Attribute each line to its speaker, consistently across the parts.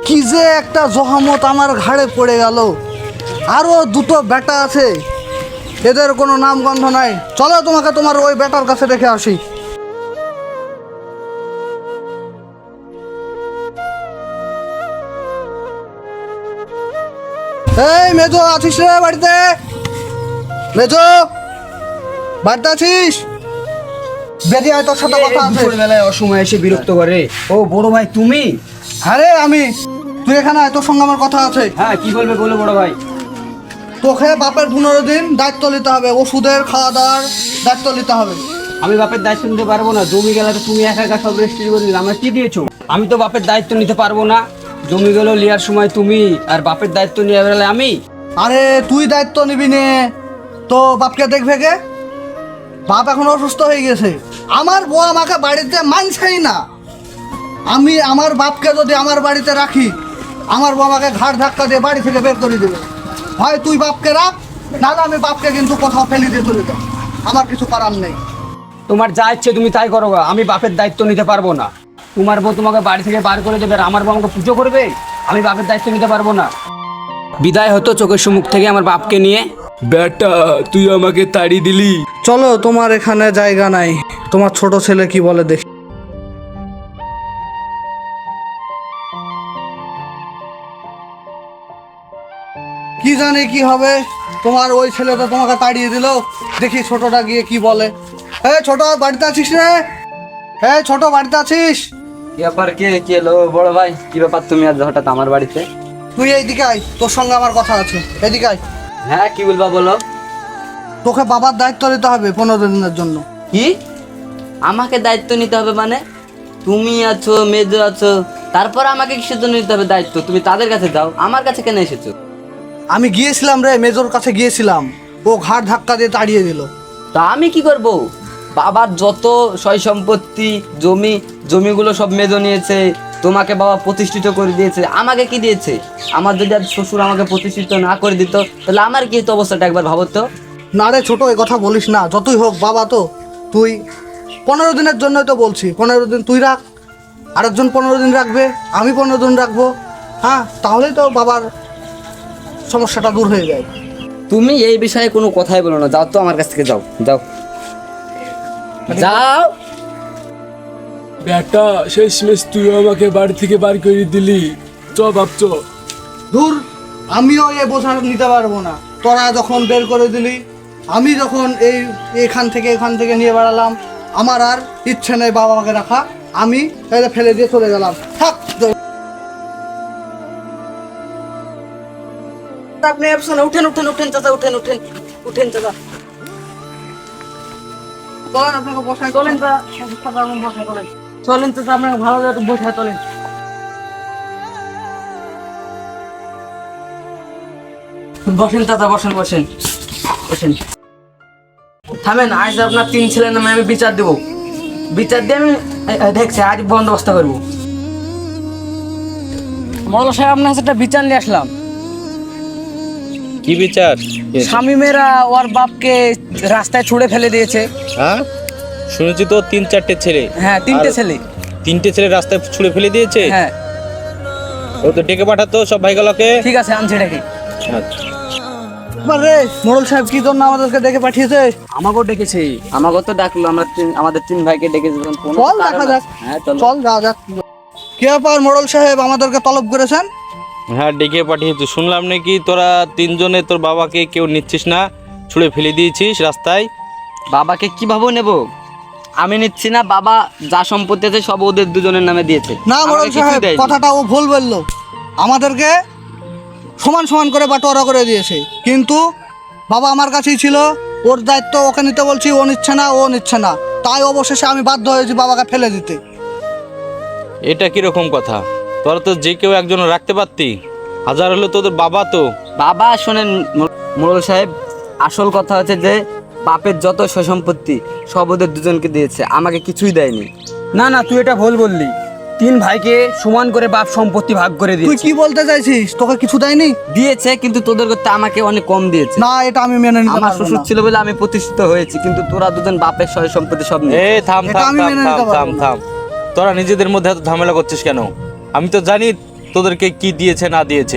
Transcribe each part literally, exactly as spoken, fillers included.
Speaker 1: কি যে একটা জহামত আমার ঘাড়ে পড়ে গেল। আরো দুটো বেটা আছে, এদের কোনো নাম গন্ধ নাই। চলো তোমাকে তোমার ওই বেটার কাছে রেখে আসি। এই মেজো, আছিস রে বাড়িতে? মেজো, বাড়িতে আছিস? বেরিয়ে আয়, তোর সাথে কথা আছে।
Speaker 2: বেলায় অসময় এসে বিরক্ত করে। ও বড় ভাই তুমি?
Speaker 1: আরে আমি, তুই এখানে আয়, তোর সঙ্গে আমার কথা আছে।
Speaker 2: হ্যাঁ কি বলবে বলো বড় ভাই।
Speaker 1: তোকে বাপের পনেরো দিন দায়িত্ব নিতে হবে, ওষুধের খাওয়া দাওয়ার দায়িত্ব নিতে হবে।
Speaker 2: আমি বাপের দায়িত্ব নিতে পারবো না। জমি গেলে তো তুমি একা একা সব রেজিস্ট্রি করে দিলে, আমার কি দিয়েছো? আমি তো বাপের দায়িত্ব নিতে পারবো না। জমি গেল লিয়ার সময় তুমি, আর বাপের দায়িত্ব নিয়ে বেড়ালে আমি।
Speaker 1: আরে তুই দায়িত্ব নিবি নে, তো বাপকে দেখবে কে? বাপ এখন অসুস্থ হয়ে গেছে। আমার বউ আমাকে বাড়িতে মানছেই না। আমি আমার বাপকে যদি আমার বাড়িতে রাখি, আমার বউ আমাকে ঘাড় ধাক্কা দিয়ে বাড়ি থেকে বের করে দেবে। হয় তুই বাপকে রাখ, না না আমি বাপকে কিন্তু কোথাও ফেলে দিয়ে চলে যাই। আমার কিছু করার নেই।
Speaker 2: তোমার যা ইচ্ছে তুমি তাই করো গা, আমি বাপের দায়িত্ব নিতে পারবো না। তোমার বউ তোমাকে বাড়ি থেকে বার করে দেবে, আর আমার বউ আমাকে পুজো করবে। আমি বাপের দায়িত্ব নিতে পারবো না। বিদায় হতো চোখের সম্মুখ থেকে আমার বাপকে নিয়ে।
Speaker 3: বেটা তুই আমাকে তাড়িয়ে দিলি।
Speaker 1: চলো, তোমার এখানে জায়গা নাই। তোমার ছোট ছেলে কি বলে দেখি। কি জানি কি হবে, তোমার ওই ছেলে তো তোমাকে তাড়িয়ে দিল। দেখি ছোটটা গিয়ে কি বলে। এই ছোট, বাড়িতে আছিস রে? এই ছোট, বাড়িতে আছিস?
Speaker 2: কি ব্যাপার, কে কে এলো বড় ভাই? কি ব্যাপার তুমি আজ হঠাৎ আমার বাড়িতে?
Speaker 1: তুই এইদিকে আয়, তোর সঙ্গে আমার কথা আছে। এদিকে আয়।
Speaker 2: হ্যাঁ কি বলবা বলো।
Speaker 1: তোকে বাবার দায়িত্ব নিতে হবে পনেরো দিনের জন্য।
Speaker 4: কি আমাকে দায়িত্ব নিতে হবে মানে? তুমি আছো, মেজো আছো, তারপর আমাকে কিসের জন্য নিতে হবে দায়িত্ব? তুমি তাদের কাছে যাও, আমার কাছে কেন এসেছো?
Speaker 1: আমি গিয়েছিলাম রে, মেজোর কাছে গিয়েছিলাম, ও ঘাড় ধাক্কা দিয়ে তাড়িয়ে দিল।
Speaker 4: তা আমি কি করব? বাবার যত সয় সম্পত্তি, জমি জমিগুলো সব মেজো নিয়েছে। তোমাকে বাবা প্রতিষ্ঠিত করে দিয়েছে, আমাকে কি দিয়েছে? আমার যদি আজ শ্বশুর আমাকে প্রতিষ্ঠিত না করে দিত, তাহলে আমার কি হতো অবস্থাটা একবার ভাবো তো।
Speaker 1: না রে ছোট, এই কথা বলিস না। যতই হোক বাবা তো। তুই পনেরো দিনের জন্যই তো বলছি, পনেরো দিন তুই রাখ, আরেকজন পনেরো দিন রাখবে, আমি পনেরো দিন রাখবো। হ্যাঁ, তাহলেই তো বাবার সমস্যাটা দূর হয়ে যায়।
Speaker 4: তুমি এই বিষয়ে কোনো কথাই বলো না, যাও তো আমার কাছ থেকে, যাও যাও যাও।
Speaker 3: বেটা শেষমেশ তুই আমাকে বাড়ি থেকে বার করে দিলি। চ বাপ চ।
Speaker 1: দূর, আমিও এই বোঝা নিতে পারবো না। তোরা যখন বের করে দিলি, আমি যখন এই এখান থেকে এখান থেকে নিয়ে বেড়ালাম, আমার আর ইচ্ছে নেই বাবা মাকে রাখা। আমি এটা ফেলে দিয়ে চলে গেলাম। থাক।
Speaker 4: আপনি উঠেন উঠেন উঠেন চাচা, উঠেন উঠেন উঠেন চাচা।
Speaker 1: চলেন, আপনাকে বসাই
Speaker 4: চলেন চাচা, চলেন চলেন চাচা, আপনাকে ভালো করে বসে চলেন। বসেন চাচা, বসেন বসেন বসেন। থামেন, আজ আপনার তিন ছেলের নামে আমি বিচার দেব। বিচার দিয়ে আমি এ, এ, দেখছি আজ বন্দোবস্ত করবো। মৌলা সাহেব, আপনার কাছে একটা বিচার নিয়ে আসলাম।
Speaker 5: কি বিচার?
Speaker 4: স্বামীমেরা ওর বাপকে রাস্তায় ছুঁড়ে ফেলে দিয়েছে।
Speaker 5: হ্যাঁ শুনেছি তো তিন চারটে ছেলে।
Speaker 4: হ্যাঁ, তিনটে
Speaker 5: আর
Speaker 4: ছেলে।
Speaker 5: তিনটে ছেলে রাস্তায় ছুঁড়ে ফেলে দিয়েছে।
Speaker 4: হ্যাঁ
Speaker 5: ও তো ডেকে পাঠাতো সব ভাইগুলোকে।
Speaker 4: ঠিক আছে, আনছি এটাকে।
Speaker 5: আচ্ছা
Speaker 1: রে মোড়ল সাহেব কি জন্য আমাদেরকে ডেকে পাঠিয়েছে?
Speaker 4: আমাকেও ডেকেছে। আমাকেও তো ডাকলো, আমরা তিন- আমাদের তিন ভাইকে ডেকেছে। কোনো
Speaker 1: চল
Speaker 4: কারণ
Speaker 1: দেখা
Speaker 4: আছে?
Speaker 1: যাক।
Speaker 4: হ্যাঁ চল।
Speaker 1: চল যাওয়া যাক। কি ব্যাপার মোড়ল সাহেব, আমাদেরকে তলব করেছেন?
Speaker 5: হ্যাঁ ডেকে পাঠিয়েছি। শুনলাম নাকি তোরা তিনজনে তোর বাবাকে কেউ নিচ্ছিস না, ছুঁড়ে ফেলে দিয়েছিস রাস্তায়।
Speaker 4: বাবাকে কিভাবে নেব? আমি নিচ্ছি না। বাবা যা সম্পত্তি আছে সব ওদের দুজনের নামে দিয়েছে।
Speaker 1: না মোড়ল
Speaker 4: আমাকে কিছুই
Speaker 1: সাহেব,
Speaker 4: দেয়নি।
Speaker 1: কথাটা ও ভুল বললো। আমাদেরকে সমান সমান করে বাটোয়ারা করে দিয়েছে, কিন্তু বাবা আমার কাছেই ছিল। ওর দায়িত্ব ওকে নিতে বলছি, ও নিচ্ছে না, ও নিচ্ছে না। তাই অবশেষে আমি বাধ্য হয়েছি বাবাকে ফেলে দিতে।
Speaker 5: এটা কিরকম কথা? তোরা তো যে কেউ একজন রাখতে পারতি। হাজার হলো তোদের বাবা তো।
Speaker 4: বাবা শোনেন মোড়ল সাহেব, আসল কথা হচ্ছে যে বাপের যত সয় সম্পত্তি সব ওদের দুজনকে দিয়েছে, আমাকে কিছুই দেয়নি।
Speaker 2: না না, তুই এটা ভুল বললি। তিন ভাইকে সমান করে বাপ সম্পত্তি ভাগ করে
Speaker 1: তুই
Speaker 2: দিয়েছে।
Speaker 1: কি বলতে চাইছিস? তোকে কিছু দেয়নি?
Speaker 4: দিয়েছে, কিন্তু তোদের করতে আমাকে অনেক কম দিয়েছে।
Speaker 1: না, এটা আমি মেনে নিতে
Speaker 4: আমার
Speaker 1: পারবো
Speaker 4: শ্বশুর
Speaker 1: না।
Speaker 4: ছিল বলে আমি প্রতিষ্ঠিত হয়েছি, কিন্তু তোরা দুজন বাপের সয় সম্পত্তি সব নিয়ে।
Speaker 5: এ থাম
Speaker 1: এটা
Speaker 5: থাম
Speaker 1: আমি
Speaker 5: থাম
Speaker 1: মেনে
Speaker 5: থাম
Speaker 1: নিতে পারবো
Speaker 5: থাম
Speaker 1: না।
Speaker 5: থাম তোরা নিজেদের মধ্যে এত ঝামেলা করছিস কেন? আমি তো জানি তোদেরকে কি দিয়েছে না দিয়েছে।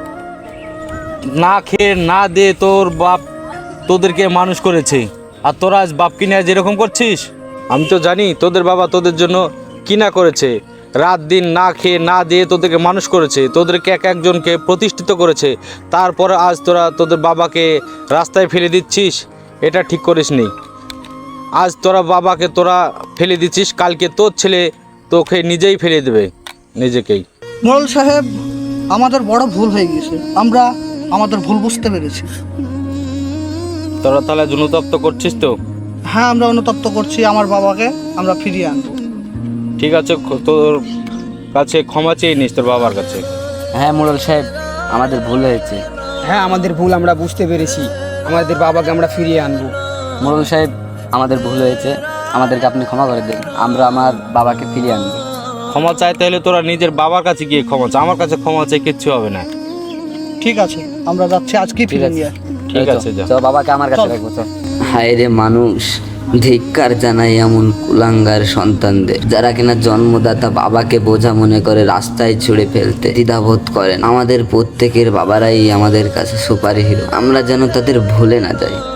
Speaker 5: না খেয়ে না দে তোর বাপ তোদেরকে মানুষ করেছে, আর তোরা আজ বাপকে নিয়ে যেরকম করছিস। আমি তো জানি তোদের বাবা তোদের জন্য কি না করেছে, রাত দিন না খেয়ে না দিয়ে তোদেরকে মানুষ করেছে, তোদেরকে এক একজনকে প্রতিষ্ঠিত করেছে। তারপরে আজ তোরা তোদের বাবাকে রাস্তায় ফেলে দিচ্ছিস, এটা ঠিক করিসনি। আজ তোরা বাবাকে তোরা ফেলে দিচ্ছিস, কালকে তোর ছেলে তোকে নিজেই ফেলে দেবে, নিজেকেই।
Speaker 1: মোড়ল সাহেব, আমাদের বড় ভুল হয়ে গেছে, আমরা আমাদের ভুল বুঝতে পেরেছি।
Speaker 5: তোরা তাহলে অনুতপ্ত করছিস তো?
Speaker 1: হ্যাঁ, আমরা অনুতপ্ত করছি, আমার বাবাকে আমরা ফিরিয়ে আনবো।
Speaker 5: ঠিক আছে, খ- তোর কাছে ক্ষমা চেয়ে নিস তোর বাবার কাছে।
Speaker 4: হ্যাঁ মোড়ল সাহেব, আমাদের ভুল হয়েছে।
Speaker 2: হ্যাঁ, আমাদের ভুল আমরা বুঝতে পেরেছি, আমাদের বাবাকে আমরা ফিরিয়ে আনবো।
Speaker 4: মোড়ল সাহেব, আমাদের ভুল হয়েছে, আমাদেরকে আপনি ক্ষমা করে দেন, আমরা আমার বাবাকে ফিরিয়ে আনবো।
Speaker 5: ক্ষমা চাইতে হলে তোরা নিজের বাবার কাছে গিয়ে ক্ষমা চা, আমার কাছে ক্ষমা চাই কিচ্ছু হবে না।
Speaker 1: ঠিক আছে, আমরা যাচ্ছি, আজকে ফিরে নিয়ে আসবো।
Speaker 5: ঠিক আছে, যা।
Speaker 4: তো বাবাকে আমার কাছে
Speaker 1: চল।
Speaker 4: রাখবো। চল। হায় রে মানুষ, ধিক্কার জানাই এমন কুলাঙ্গার সন্তানদের, যারা কিনা জন্মদাতা বাবাকে বোঝা মনে করে রাস্তায় ছুড়ে ফেলতে দ্বিধাবোধ করেন। আমাদের প্রত্যেকের বাবারাই আমাদের কাছে সুপার হিরো, আমরা যেন তাদের ভুলে না যাই।